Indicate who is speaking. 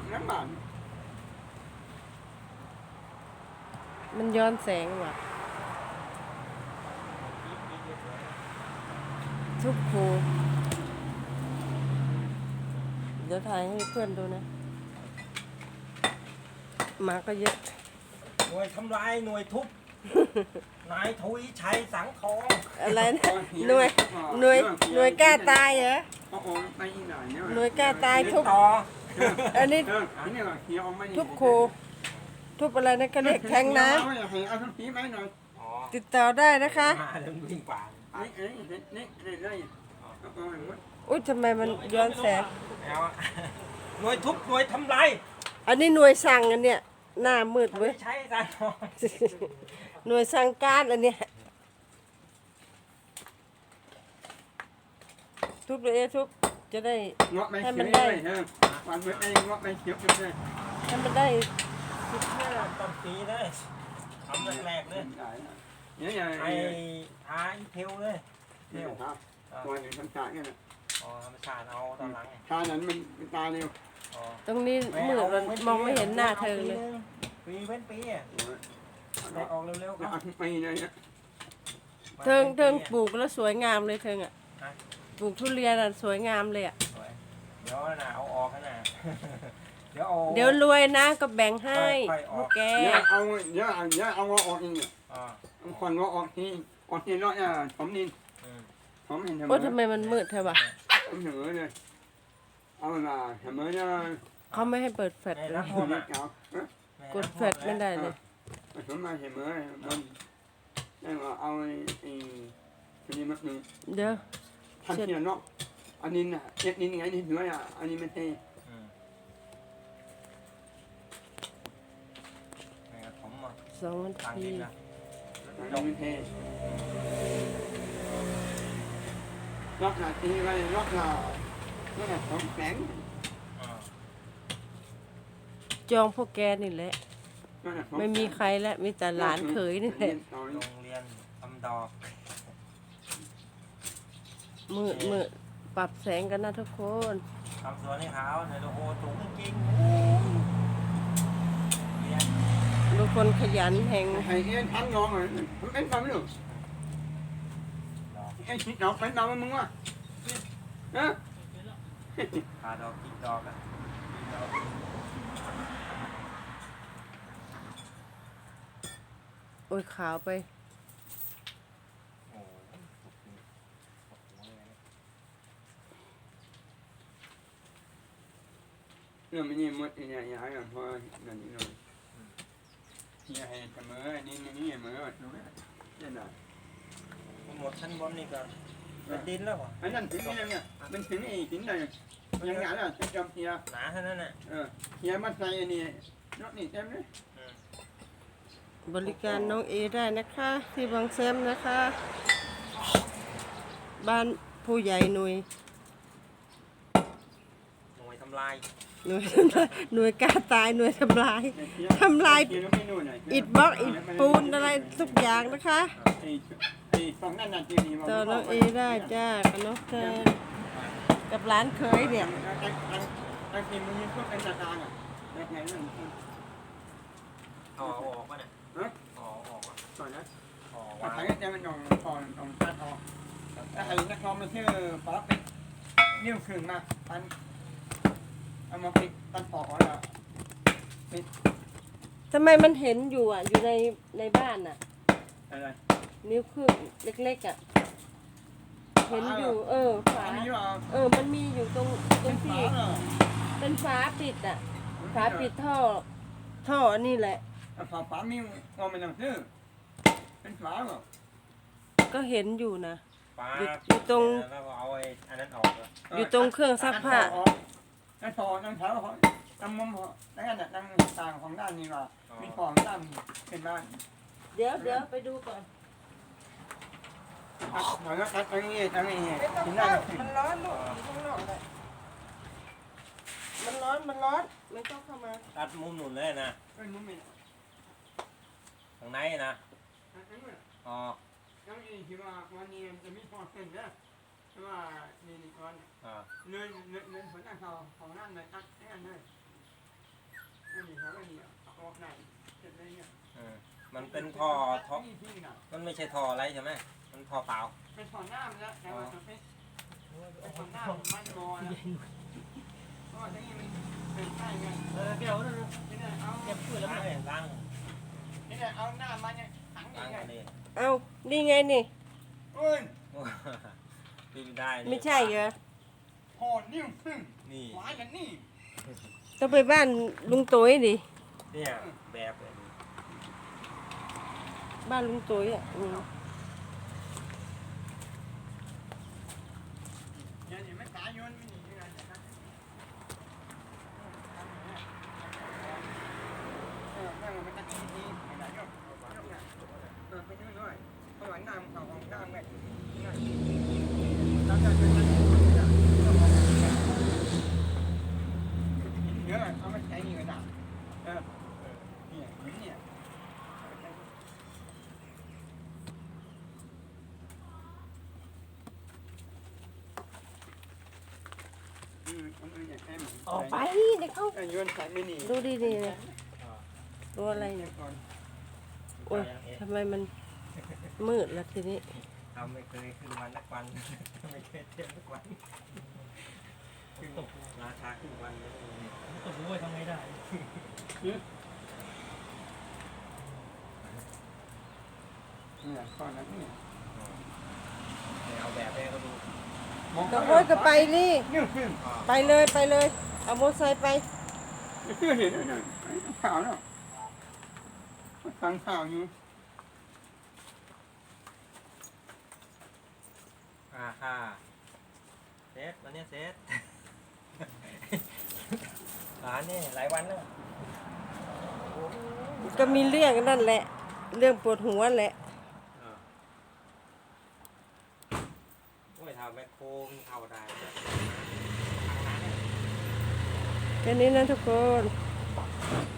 Speaker 1: น้ำมัน
Speaker 2: มันย้อนแสงว่ะทุกครูเดี๋ยวถ่ายให้เพื่อนดูนะหมาก็เยอะ
Speaker 3: หน่วยทำลายหน่วยทุบ นายทวีชัยสังทอง
Speaker 2: อะไรนะหน่วยกล้าตายเหรอหน่วยกล้าตายทุบ
Speaker 3: ต่อ
Speaker 2: อันนี้ทุบครูทุบอะไรนะก็เรียกแทงน้ำติดต่อได้นะคะ
Speaker 3: มาเรื่องวิ่งป่า
Speaker 2: อุ้ยทำไมมันย้อนแสง
Speaker 3: แล้วหน่วยทุบหน่วยทำลาย
Speaker 2: อันนี้หน่วยสั่งอันเนี้ยหน้ามืด
Speaker 3: ทวี
Speaker 2: เว้ย
Speaker 3: ชัยสังทอง
Speaker 2: หน่วยสั่งการอันเนี้ยทุบเลยทุบจะได้
Speaker 1: ให้มันได้วันเมื่อไอ้เงาะไม่เขียวเลย
Speaker 2: ให้มันได้
Speaker 3: ต้นปีเลยทำแรกๆเลย
Speaker 1: เนี่ยอย่าง
Speaker 3: ไอ้ท้ายเทวเลยเท
Speaker 1: เนี่ยว ครับตัวหนึ่งทำฉากเนี่ยนะ
Speaker 3: อ๋อธรรมชาติเอาตอนหลัง
Speaker 1: ชานั้นมันตาเร็ว
Speaker 3: อ๋อ
Speaker 2: ตรงนี้มืดมันมองไม่เห็นหน้าเธอเลย
Speaker 3: ปีเว้นปีอ่ะได้ออกเร็วๆครับ
Speaker 1: เอาทุกปีเลยเนี่ย
Speaker 2: เทิงปลูกแล้วสวยงามเลยเทิงอ่ะปลูกทุเรียนอ่ะสวยงามเลยอ่ะ
Speaker 3: เดี๋ยวนะเอาออกกันนะเดี๋ยวเอา
Speaker 2: เดี๋ยวรวยนะก็แบ่งให้
Speaker 3: ค่อยๆออก
Speaker 2: พวกแก
Speaker 1: เยอะเอาออกเองเนี่ย
Speaker 3: อ่า
Speaker 1: คนว่าออกที่รถเนี่ยผมนี่
Speaker 3: อืม
Speaker 1: ผมเห็น
Speaker 2: โอ้ทำไมมันมืดเธอวะ
Speaker 1: ผมเหนือเลยเอาละทำไมเนี่ย
Speaker 2: เขาไม่ให้เปิดแฟลช
Speaker 3: ใน
Speaker 2: เล
Speaker 3: รั
Speaker 2: ย
Speaker 3: กโทษ
Speaker 1: เด็
Speaker 3: อ่ะ
Speaker 1: กเก่าก
Speaker 2: ดแฟลชไม่ได้เลย
Speaker 1: ผมมาเห็นเมื่อมันได้ว่าเอาไอ้คนนี้มาหนึ่ง
Speaker 2: เดี๋ยว
Speaker 1: ทันทีเนาะอันนี้น่ะเอ็ดนี่ไงนี่เหนืออ่ะอันนี้ไม่ใช่
Speaker 3: อืมนี่ผมอ่ะ
Speaker 2: 2 นา
Speaker 3: ทาง
Speaker 2: ที
Speaker 3: ดินนะ
Speaker 1: อันนี้ไม่ใช่ล็อกหน้าทีไว้ล็อกหน้าผมแข็ง
Speaker 3: อ่า
Speaker 2: จองพวกแกนี่แหละ ไม่มีใครแล้วมีแต่หลานเขยนี่แหละ
Speaker 3: โรงเรียนทำดอก
Speaker 2: มืดปรับแสงกันนะทุกคน
Speaker 3: ทำสวนให้เขาในโลโหสูงจริงโอ้เรียน
Speaker 2: ทุกคนขยันแห่ง
Speaker 1: ให้เอ็นพันงองเลยผมเป็นความรู้
Speaker 3: ดอก
Speaker 1: เอ็นคิดดอกเป็นดอกมึงวะฮะ
Speaker 3: พาดอกกินดอกอ่ะกินดอก
Speaker 2: โอ้ยขาวไป
Speaker 3: โอ้โหโอ้โหเลย
Speaker 1: เรื่องมันนี่มดเนี่ยย้ายกันเพราะนั่นนี่หน่อยที่ให้เสมอนี่เสมอรู้ไหมเนี่ยนะ
Speaker 3: หมดชั้นบนนี่ก็เป็นดินแล้วเหรอ
Speaker 1: อันนั้นถึงนี่เนี่ยมันถึงไอ้ถึงไหนยังไงล่ะจะจำเฮีย
Speaker 3: หนาเท่านั้นน่ะ
Speaker 1: เฮียมาใส่นี่รถนี่เต็มเลย
Speaker 3: อืม
Speaker 2: บริการน้องเอได้นะคะ ที่บางแซมนะคะ บ้านผู้ใหญ่หน่วย
Speaker 3: หน่วยทำลาย
Speaker 2: หน่วย หน่วยกล้าตายหน่วยทำลาย ทำลาย อิฐบล็อกอิฐปูนอะไรทุกอย่างนะคะ
Speaker 1: ไอ้สองนั่นน่ะจริง
Speaker 2: ต่อน้องเอได้จ้ากับน้องแทนกับร้านเคยเนี่ย
Speaker 1: ไอ้ทีมมันมีพวกเป็นตาอ่ะแบบไหนนั่น
Speaker 3: เอาออกป่ะเนี่ย
Speaker 1: ฮะ
Speaker 3: เอาออกอ่ะ
Speaker 1: ก่อนนะ
Speaker 3: ออก
Speaker 1: แต่
Speaker 3: วาง
Speaker 1: ใครจะมันนองตอนตัดออกแต่ไอ้นักร้องมันชื่อป๊อปเป็นนิ้วขึ้นมาตันเอามาปิดตันปอกแล้ว
Speaker 2: ทำไมมันเห็นอยู่อ่ะ อยู่ในบ้านอ่ะ
Speaker 1: อะไร
Speaker 2: นิ้วขึ้นเล็กๆอ่ะ เห็นอยู่ ฝา
Speaker 1: อันนี้ว่า
Speaker 2: มันมีอยู่ตรง
Speaker 1: เป็น
Speaker 2: ที่
Speaker 1: ฝาเหรอ
Speaker 2: เป็นฝาปิดอ่ะ ฝาปิดท่ออันนี้แหละ
Speaker 1: ฝามีเราไม่ต้องซื้อเป็นฝาเหรอ
Speaker 2: ก็เห็นอยู่นะ
Speaker 3: ฟ้า
Speaker 2: อยู่ตรง
Speaker 3: แล้วก็เอาไอ้อันนั้นออกเลย
Speaker 2: อยู่ตรงเครื่องซักผ้า
Speaker 1: นั่นพอนั่นเท้าเขาตั้งมุมเขาตั้งนั่งต่างของด้านนี้ว่ามีของด้านเป็นบ้าน
Speaker 2: เดี๋ยวไปดูก่อน
Speaker 1: เหมือนกับตั้งนี้ตั้งนี้
Speaker 2: ไม่ต้อง
Speaker 1: ที่
Speaker 2: เข้า
Speaker 1: นั่น
Speaker 2: มันร้อนลูกอยู่ข้างนอกเลยมันร้อนไม่ต้องเข้ามา
Speaker 3: ตัดมุมหนุนเลยนะ
Speaker 1: เป็นมุมนี้
Speaker 3: ทางในนะอ๋อ
Speaker 1: ตั้งนี้ที่ว่าวันนี้จะมีของเส้นนะว่านี่ก่อน
Speaker 3: อ่า
Speaker 1: เนื่อยผลงานเขาของนั่นเลยตัดแค่นั้นเลยนี่ครับนี่ออกไหนเจ็บเลยเนี่ย
Speaker 3: มันเป็นท่อมันไม่ใช่ท่ออะไรใช่ไหมมันท่อเปล่า
Speaker 1: เป็นถอนน้ำแล้วแต่ว่าเป็นถอนน้ำมันงอแล้วเพราะว่าที่นี่มันเป็นใช่ไง
Speaker 4: แก้วนั่น
Speaker 1: นี่เนี่ยเอา
Speaker 4: แก้วช่วยแล้ว
Speaker 3: ล้าง
Speaker 4: ไม่
Speaker 3: ล้าง
Speaker 1: นี่เนี่ยเอาหน้ามันเนี่ยถัง
Speaker 3: ล้าง
Speaker 1: นี่ไง
Speaker 3: อันนี้
Speaker 2: เอานี่ไงนี่
Speaker 1: เอ้ย
Speaker 3: พี่ไม่ได้นี่
Speaker 2: ไม่ใช่เหรอ
Speaker 1: หอนิ้วพึ่ง
Speaker 3: นี่
Speaker 1: หวานกันนี่
Speaker 2: ต้องไปบ้านลุงตุ้ยดิ
Speaker 3: เนี่ยแบบเลย
Speaker 2: บ้านลุงตุ้ยอ่ะ
Speaker 1: อย่างไม่ตายโยนไม่หนียังไงนะครับนั่งมันตะกี้ทีไม่ได้ยกไปนู่นด้วยเพราะว่าน้ำเขาของน้ำแบบแล้วก็จะเยอะเอามาใช้นี่ก็ได้เนี่ยเนี่ย
Speaker 2: ออกไปเดี๋ยวเขา
Speaker 1: โยนสายไม่หนี
Speaker 2: ดูดีๆเลยดูอะไรเนี่ยโอ้ยทำไมมันมืดแล้วทีนี้
Speaker 3: ทำไม่เคยขึ้นวันสักวันไม่เคยเที่ยวสักวันขึ้นราคาขึ้นวันเลย
Speaker 4: ตกรู้ว่าทำไงได้
Speaker 1: เนี่ยก้อนนั้นเนี่ย
Speaker 3: เอาแบบให้เขาดู
Speaker 2: ก็โอ้ยก็ไปนี่
Speaker 1: เนี่ยขึ้น
Speaker 2: ไปเลยไปเลย เอามอเตอร์ไซค์ไป
Speaker 1: ขึ้นเห็นแล้วเนี่ยข่าวเนาะฟังข่าวอยู่
Speaker 3: ค่ะเซตวันนี้เซตเนี่ยหลายวันแล้ว
Speaker 2: ก็มีเรื่องนั่นแหละ เรื่องปวดหัวแหละ
Speaker 3: โอ้ยทำแมคโครเข้าได้
Speaker 2: แค่นี้นะทุกคน
Speaker 3: ค